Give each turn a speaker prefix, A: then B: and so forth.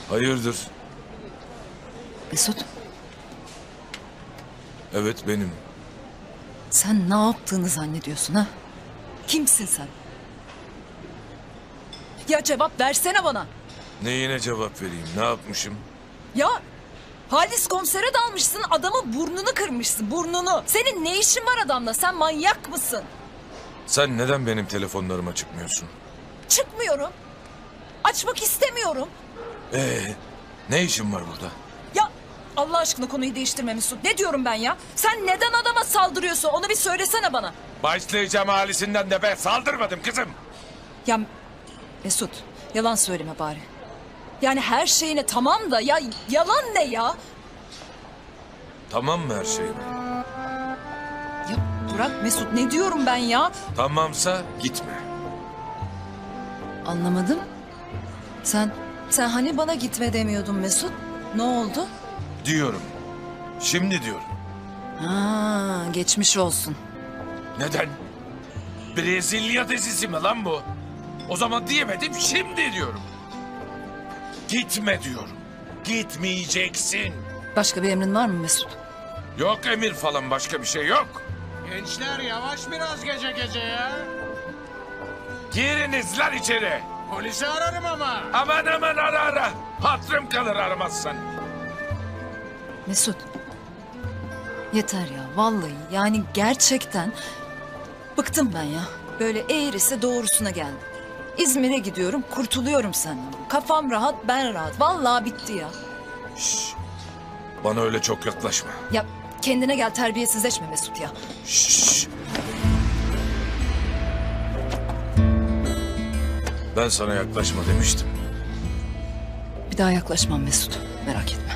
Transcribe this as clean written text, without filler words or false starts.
A: Hayırdır?
B: Mesut,
A: Evet benim.
B: sen ne yaptığını zannediyorsun ha? Kimsin sen? Ya cevap versene bana.
A: Neyine cevap vereyim? Ne yapmışım?
B: Ya Halis komisere dalmışsın, adamın burnunu kırmışsın, burnunu. Senin ne işin var adamla? Sen manyak mısın?
A: Sen neden benim telefonlarıma çıkmıyorsun?
B: Çıkmıyorum. Açmak istemiyorum.
A: Ne işin var burada?
B: Ya Allah aşkına konuyu değiştirme Mesut. Ne diyorum ben ya? Sen neden adama saldırıyorsun? Onu bir söylesene bana.
A: Başlayacağım halisinden de be. Saldırmadım kızım.
B: Ya Mesut, yalan söyleme bari. Yani her şeyine tamam da ya yalan ne ya?
A: Tamam mı her şey?
B: Ya bırak Mesut, ne diyorum ben ya?
A: Tamamsa gitme.
B: Anlamadım. Sen hani bana gitme demiyordun Mesut? Ne oldu?
A: Diyorum. Şimdi diyorum.
B: Ha, geçmiş olsun.
A: Neden? Brezilya dizisi mi lan bu? O zaman diyemedim, şimdi diyorum. Gitme diyorum. Gitmeyeceksin.
B: Başka bir emrin var mı Mesut?
A: Yok emir falan, başka bir şey yok.
C: Gençler yavaş biraz gece gece ya.
A: Giriniz lan içeri.
C: Polisi ararım ama.
A: Aman aman ara ara. Hatırım kalır aramazsan.
B: Mesut. Yeter ya vallahi, yani gerçekten bıktım ben ya. Böyle eğrisi doğrusuna geldim. İzmir'e gidiyorum, kurtuluyorum senden. Kafam rahat, ben rahat. Vallahi bitti ya.
A: Şşş. Bana öyle çok yaklaşma.
B: Ya kendine gel, terbiyesizleşme Mesut ya.
A: Şşş. Ben sana yaklaşma demiştim.
B: Bir daha yaklaşmam Mesut, merak etme.